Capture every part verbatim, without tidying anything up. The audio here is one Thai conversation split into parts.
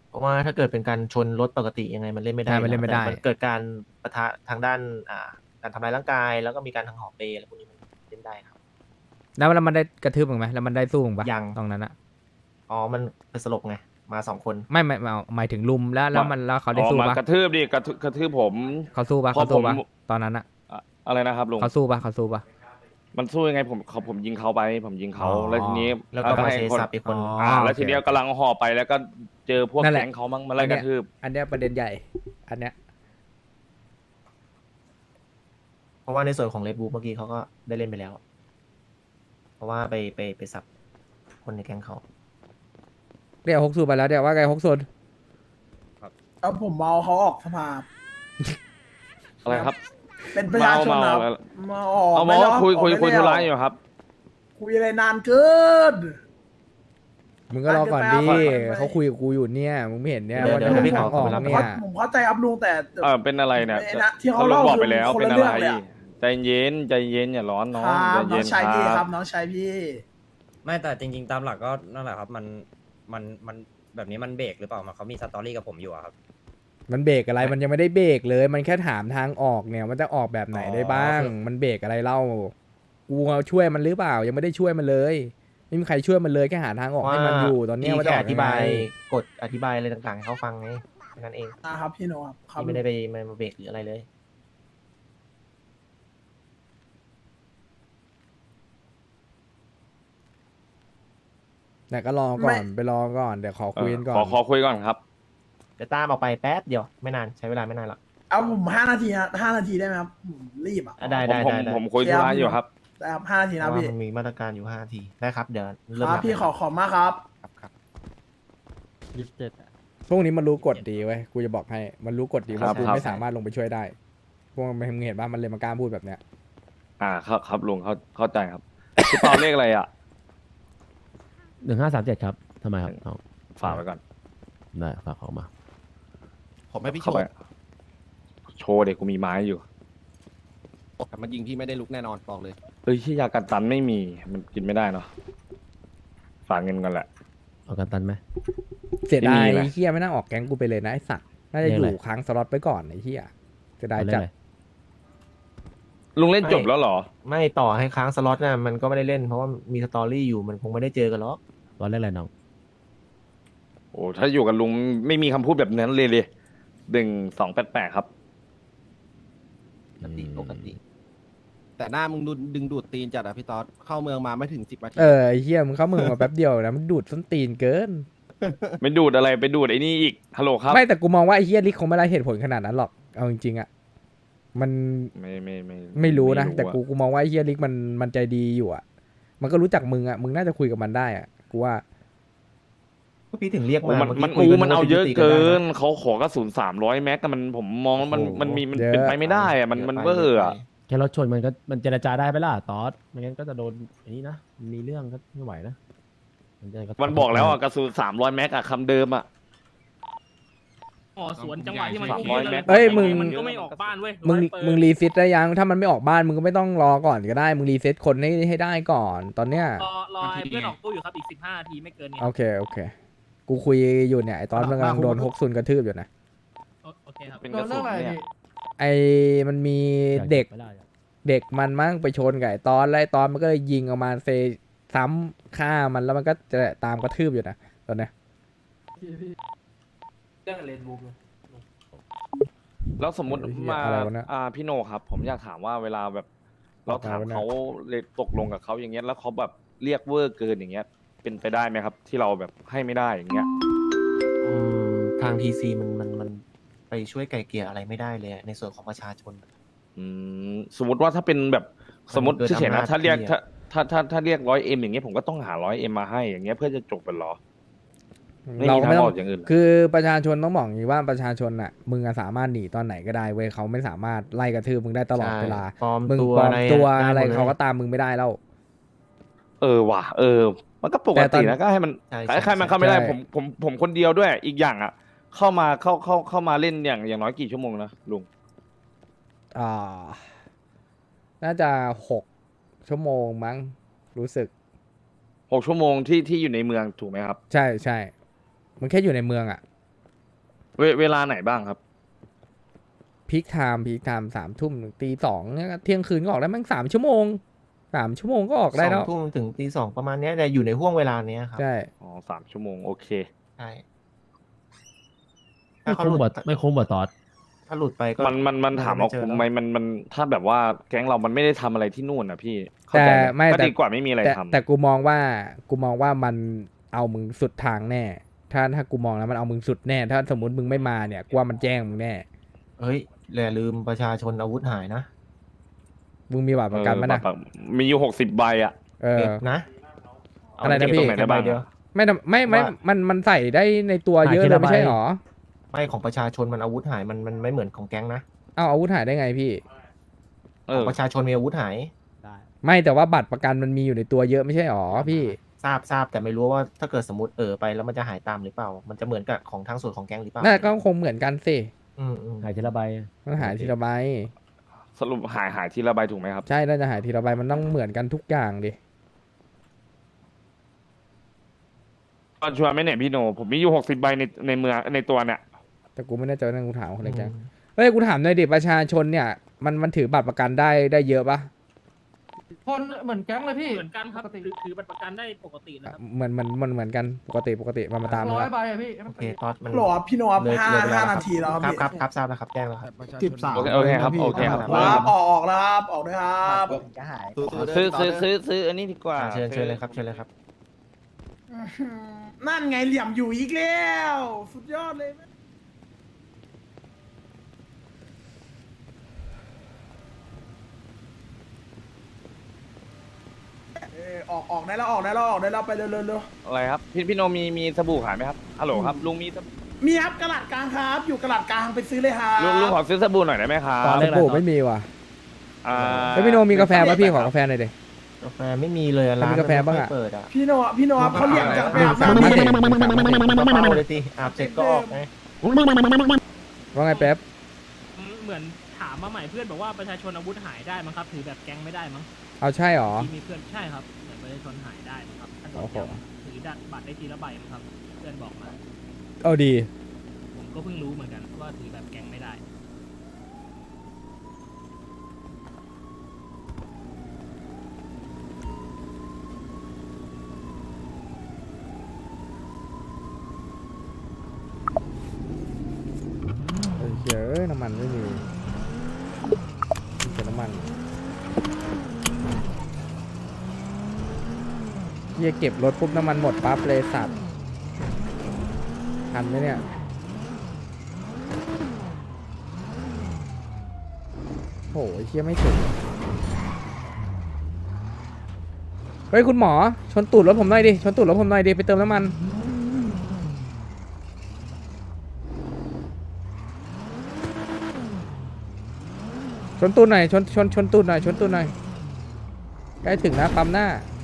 เพราะว่าถ้าเกิดเป็นการชนรถปกติยังไงมันเล่นไม่ได้ใช่อยู่มันเล่นไม่แต่ได้มันเกิดการปะทะทางด้านอ่าการทำร้ายร่างกายแล้วก็มีการทางหอเปอะไรพวกนี้มันเล่นได้ครับแล้วแล้วมันได้กระทืบมึงไหมแล้วมันได้สู้มึงปะยังตรงนั้นอะอ๋อมันเป็นสลบไงมาสองคนไม่ไม่ไม่เอาหมายถึงลุมแล้วแล้วมามันแล้วเขาอ๋ได้อสู้มาปะกระทืบดิกระทืบกระทืบผมเขาสู้ปะพอเขาสู้ปะผมตอนนั้นอะอะอะไรนะครับลุงเขาสู้ปะเขาสู้ปะมันสู้ยังไงผมเขาผมยิงเขาไป ผมยิงเขาอ๋อแล้วทีนี้แล้วก็มาให้เชคนสับอีกคนอ๋ออ่าแล้วโอเคทีเนี้ยกำลังห่อไปแล้วก็เจอพวกนั่นแหละแก๊งเขามั่งมาไล่กระทืบอันเนี้ยประเด็นใหญ่ อันเนี้ยเพราะว่าในส่วนของเลดบูเมื่อกี้เขาก็ได้เล่นไปแล้ว เพราะว่าไปไปไปสับคนในแก๊งเขาเดี๋ยวฮกซูไปแล้วเดี๋ยวว่าไงฮกซูนเอาผมเมาเขาออกสภาอะไรครับเป็นประชาชนนะครับเมามาออกเอาหมไม่อแล้วคุยคุยออกคุยไม่ธุแล้วระอยู่ครับคุยอะไรนานเกินมึงก็รอก่อนดิไปไปไปเขาคุยกับกูอยู่เนี่ยมึงไม่เห็นเนี่ยเดี๋ยวว่าเดี๋ยวจะพี่ขอทางออกขอเวลาเนี่ยผมเข้าใจครับลุงแต่เออเป็นอะไรเนี่ยไอ้นะที่เขาลุเล่างบอกคืไปอแล้วคนเป็นละอะเรื่ไรองเลยอะใจเย็นใจเย็นอย่าร้อนน้องคใจรับน้เย็อน งชายพี่คครัรับ บน้องชายพี่ไม่แต่จริง ๆ ตามหลักก็นั่นแหละครับ มันมันมันแบบนี้มันเบรกหรือเปล่ามันเขามีสตอรี่กับผมอยู่อะครับมันเบรกอะไรมันยังไม่ได้เบรกเลย มันแค่ถามทางออกเนี่ยมันจะออกแบบไหนได้บ้างอ๋อมันเบรกอะไรเล่ากูเอาช่วยมันหรือเปล่า ยังไม่ได้ช่วยมันเลยไม่มีใครช่วยมันเลยแค่หาทางออกให้มันอยู่ตอนเนี้ยพี่ว่าจะแค่อออกธิยังไงบายกฎอธิบายอะไรต่างๆให้เขาฟังไงแค่นั้นเองนะครับพี่โนครับครับพี่ไม่ได้ไปมามาเบรกหรืออะไรเลยแต่ก็รอก่อนไปรอก่อนเดี๋ยวขอคุยกันก่อขอน ขอคุยก่อนครับเดี๋ยวตามออกไปแป๊บเดียวไม่นานใช้เวลาไม่นานหรอกเอาผมห้านาทีฮะห้านาทีได้ไหมครับผมรีบอ่ะอ่ะได้ผมได้ผมได้ได้ผมคุยธุระอยู่ครับได้ครับห้านาทีเพนะราะว่าพี่มันมีมาตรการอยู่ห้านาทีได้ครับเดี๋ยวเริ่มครับนับพี่เลยขอขอบมากครับครับครับพวกนี้มันรู้กฎดีเว้ยกูจะบอกให้มันรู้กฎดีครัว่าบกูครับไม่สามารถลงไปช่วยได้พวกมันเห็นว่ามันเลยมากล้าพูดแบบเนี้ยอ่าครับครับลุงเข้าเข้าใจครับพี่เปาเลขอะไรอ่ะหนึ่งห้าสามเจ็ดครับทำไมครับน้องฝากไว้ก่อนได้ฝากของมาผมให้พี่โชเข้าไปว์โชว์เด็กกูมีไม้อยู่แต่มันยิงพี่ไม่ได้ลุกแน่นอนบอกเลยเฮ้ยที่ยากันตันไม่มีมันกินไม่ได้เนาะฝากเงินกันแหละเอากันตันไหมเสียดายไม่มีนะไอ้เฮียไม่น่าออกแก๊งกูไปเลยนะไอ้สัตว์น่าจะเรียอกอะไรยู่ค้างสล็อตไปก่อนไอ้เฮียเสียดายเอาเล่นจัดอะไรลุงเล่นจบแล้วเหรอไม่ต่อให้ค้างสล็อตน่ะมันก็ไม่ได้เล่นเพราะว่ามีสตอรี่อยู่มันคงไม่ได้เจอกันหรอกตอนเล่นอะไรน้องโอ้ถ้าอยู่กับลุงไม่มีคำพูดแบบนั้นเลยเลยหนึ่งสองแปดแปดครับปกติปกติแต่หน้ามึงดูดึงดูดตีนจัดอะพี่ต๊อดเข้าเมืองมาไม่ถึงสิบนาทีเออไอ้เฮียมึงเข้ามึงมาแป๊บเดียวนะมึงดูดส้นตีนเกินไม่ดูดอะไรไปดูดไอ้นี่อีกฮัลโหลครับไม่แต่กูมองว่าไอ้เฮียลิกคงไม่ได้เหตุผลขนาดนั้นหรอกเอาจริงๆอ่ะมันไม่ไม่ไม่ไม่รู้นะอะแต่กูกูมองว่าไอ้เฮียลิกมันมันใจดีอยู่อ่ะมันก็รู้จักมึงอ่ะมึงน่าจะคุยกับมันได้อ่ะกูว่าก็พี่ถึงเรียกโอ้มามันเมื่อมันกี้คุยอูกันมันเอาว่เยอะจะตีเกิได้นนะเขาขอกระสุนสามร้อยแม็กแต่มันผมมองแล้วมันโอ้โหมันมีมันเยอะเป็นไปไม่ได้อะมันมันเวอร์อะแค่รถชนมันก็มันเจรจาได้ไหมล่ะตอสไม่งั้นก็จะโดนอันนี้นะมีเรื่องก็ไม่ไหวนะมันจะระทมันบอกแล้วอะกระสุนสามร้อยแม็กอะคำเดิมอะอ๋อสวนจังหวะที่มันสามพุ่งร้อยกันเมเลตยรเอ้ยมึงมันก็ไม่ออกบ้านเว้ยมึงร้อยเปอร์มึงรีเซ็ตได้ยังถ้ามันไม่ออกบ้านมึงก็ไม่ต้องรอก่อนก็ได้มึงรีเซ็ตคนให้ให้ได้ก่อน ตอนเนี้ยรอรอให้เพื่อนออกตู้อยู่ครับอีกสิบห้านาทีไม่เกินนี้โอเคโอเค กูคุยอยู่เนี่ยไอตอนมันกำลังโดนฮกซุนกระทืบอยู่นะโอโอเคครับเป็นกระสุนเนี่ยไอมันมีำอยาเด็กไม่ได้อะเด็กมันมั่งไปชนกับไอ้ตอนแล้วไอ้ตอนมันก็เลยยิงออกมาเซซ้ำฆ่ามันแล้วมันก็จะตามกระทืบอยู่นะตอนเนี้ยเรื่องเลนบูมแล้วสมมติเออเหี้ยมาอะไรวะเนี่ยอ่าพี่โนครับ ผมอยากถามว่าเวลาแบบ เราถามอะไรวะเนี่ยเขาเลยตกลงกับเขาอย่างเงี้ยแล้วเขาแบบเรียกเวอร์เกินอย่างเงี้ย เป็นไปได้ไหมครับ ที่เราแบบให้ไม่ได้อย่างเงี้ยอืมทางทีซีมันมันมันไปช่วยไก่เกลี่ยอะไรไม่ได้เลยอะในส่วนของประชาชนอืมสมมติว่าถ้าเป็นแบบสมมติเกินเฉยๆอำนานะจถ้าเรียกพี่ถ้าอะถ้าถ้าถ้าเรียกร้อยเอ็มอย่างเงี้ยผมก็ต้องหาร้อยเอ็มมาให้อย่างเงี้ยเพื่อจะจบกันเหรอ ไม่เรามีก็ทางไม่ต้อออง กอย่างอื่นเหรอคือประชาชนต้องบอกอย่างนี้ว่าประชาชนอ่ะมึงอะสามารถหนีตอนไหนก็ได้เว้ยเขาไม่สามารถไล่กระทืบมึงได้ตลอดใช่เวลาปลอมมึงตัวปลอมอะไรตัวด้อะไรหมดลยเขาก็ตามมึงไม่ได้แล้วเออว่ะเออ มันก็ปกแต่ตอตินนะก็ให้มันใช่ใครใครมันใช่เข้าไม่ได้ใช่ผมผมผมคนเดียวด้วยอีกอย่างอ่ะ เข้ามาเข้าเข้าเข้ามาเล่นอย่างอย่างน้อยกี่ชั่วโมงนะลุงอ่าน่าจะหกชั่วโมงมั้งรู้สึกหกชั่วโมงที่ที่อยู่ในเมืองถูกไหมครับใช่ใช่มันแค่อยู่ในเมืองอ่ะเวเวลาไหนบ้างครับพีคไทม์พีคไทม์สามทุ่มถึงตีสองเนี่ยเที่ยงคืนก็ออกได้มั้งสามชั่วโมงสามชั่วโมงก็ออกได้สแล้อวงทุ่มถึงตีสองประมาณเนี้ยแต่อยู่ในห่วงเวลาเนี้ยครับใช่อ๋อสามชั่วโมงโอเคใช่ไม่ถ้าเขาคุ้หมลุกว่าดไม่คุ้มกว่าตอดถ้าหลุดไปก็มันมันมันถามว่าไเจอคุ้มแล้วไหมมันมันถ้าแบบว่าแก๊งเรามันไม่ได้ทำอะไรที่นู่นนะพี่เข้าแต่ใจไม่ก็แต่ดีกว่าไม่มีอะไรแต่ทำแต่กูมองว่ากูมองว่ามันเอามึงสุดทางแน่ ถ้าถ้ากูมองแล้วมันเอามึงสุดแน่ ถ้าสมมติมึงไม่มาเนี่ยกูว่ามันแจ้งมึงแน่เฮ้ยอย่าลืมประชาชนอาวุธหายนะมึงมีบัตรประกันมั้ยนะเออมีอยู่หกสิบใบอ่ะเออเก็บนะเาอะไรนะเก็บพี่ตรงไหนได้บ้างใบเดียวอะไม่ทำไม่ไม่ว่ามันมันใส่ได้ในตัวเยอะหายทีเลยละไม่ใช่ใบหรอไม่ของประชาชนมันอาวุธหายมันมันไม่เหมือนของแก๊งนะเอาอาวุธหายได้ไงพี่เอของอประชาชนมีอาวุธหายได้ไม่แต่ว่าบัตรประกันมันมีอยู่ในตัวเยอะไม่ใช่หรอพี่ทราบทราบแต่ไม่รู้ว่าถ้าเกิดสมมติเออไปแล้วมันจะหายตามหรือเปล่า มันจะเหมือนกับของทางส่วนของแก๊งหรือเปล่าน่าก็คงเหมือนกันสิอืมอืมหายทีละใบมันหายทีละใบสรุปหายหายทีละใบถูกไหมครับใช่น่าจะหายทีละใบมันต้องเหมือนกันทุกอย่างดิตอนชวนไหม่เนี่ยพี่โน ผมมีอยู่หกสิบใบในในเมืองในตัวเนี่ยแต่กูไม่แน่ใจว่านั่นกูถามคนในแก๊งอืมเฮ้ยกูถามหน่อยดิประชาชนเนี่ยมันมันถือบัตรประกันได้ได้เยอะปะคนเหมือนแก๊งเลยพี่เหมือนกันครับถือถือบัตรประกันได้ปกตินะครับเหมือนเหมือนเหมือนเหมือนกันปกติปกติมันมาตามร้อยนะใบอะพี่โอเคตอดมันโหลพี่โนครับเลยห้าเลยไปแล้วห้าครับนาทีแล้วครับครับพี่ครับครับทราบแล้วครับแจ้งแล้วครับสิบสามโอเคโอเคครับโอเคครับครับออกออกแล้วครับออกด้วยครับซื้อซื้อซื้อซื้ออันนี้ดีกว่าอ่าเชิญเชิญเลยครับเชิญเลยครับอื้อหือนั่นไงเหลี่ยมอยู่อีกแล้ว สุดยอดเลย เออออกออกได้แล้วออกได้แล้วออกได้แล้วไปเร็วเร็วเร็วอะไรครับ พี่พี่โนมีมีสบู่ขายไหมครับฮัลโหลครับลุงมีสบู่มีครับกระดาษกลางครับ อยู่กระดาษกลางไปซื้อเลยครับลุงลุงขอซื้อสบู่หน่อยได้ไหมครัตอนบแรกโอ้ไม่มีว่ะอ่าแล้วพี่โนมีกาแฟป่ะพี่ขอกาแฟหน่อยดิกาแฟไม่มีเลยอะร้านมีกาแฟบ้างอะไม่ค่ยเปิดอ่ะพี่โนพี่โนครับเขาเหลี่ยมจะไปอาบสามน้ำมาพี่เด็กสามมาเด็กก็เป้าเลยสิอาบเสร็จก็ออกไงว่าไงแป๊บเหมือนถามมาใหม่เพื่อนบอกว่าประชาชนอาวุธหายได้มั้งครับ ถือแบบแก๊งไม่ได้มั้งเอาใช่หรอที่มีเพื่อนใช่ครับเหมือนประชาชนหายได้มั้งครับถ้าโดนโอ้โหจับถือดัตบัตรได้ทีละใบมั้งครับ เพื่อนบอกมาเอาดีผมก็เพิ่งรู้เหมือนกันว่าถือแบบแก๊งไม่ได้เออเฮ้ยน้ำมันไม่มีมีแต่น้ำมันเฮียเก็บรถปุ๊บน้ำมันหมดปั๊บเลยสัตว์ทันไหมเนี่ยโหเฮียไม่ถึงเฮ้ยคุณหมอชนตูดรถผมหน่อยดิชนตูดรถผมหน่อยดิไปเติมน้ำมันชนตูดหน่อยชนชนชนตูดหน่อยชนตูดหน่อยใกล้ถึงนะปั๊มหน้า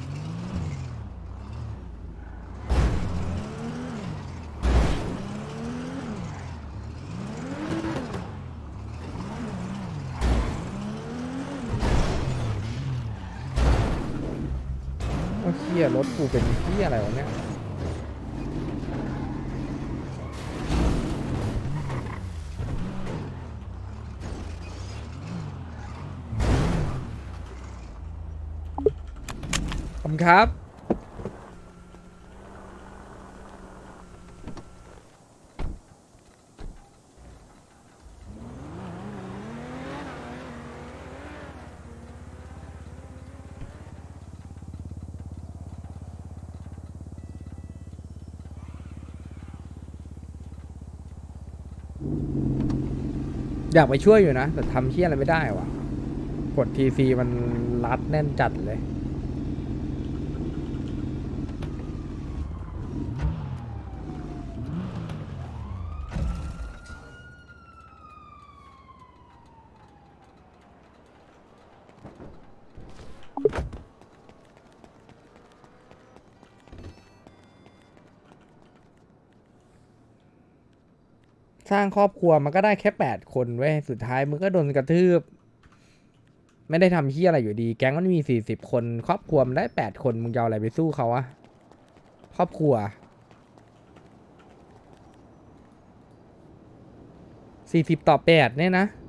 ว่าเฮียรถกูเป็นเฮียอะไรวะเนี่ยขอบคุณครับ อยากไปช่วยอยู่นะ แต่ทำเชี่ยอะไรไม่ได้วะกดทีซีมันรัดแน่นจัดเลยสร้างครอบครัวมันก็ได้แค่แปดคนเว้ยสุดท้ายมึงก็โดนกระทืบ ไม่ได้ทำเฮียอะไรอยู่ดี แก๊งมันมีสี่สิบคน ครอบครัวมันได้แปดคนมึงจะเอาอะไรไปสู้เขาอะครอบครัวสี่สิบต่อแปดเนี่ยนะ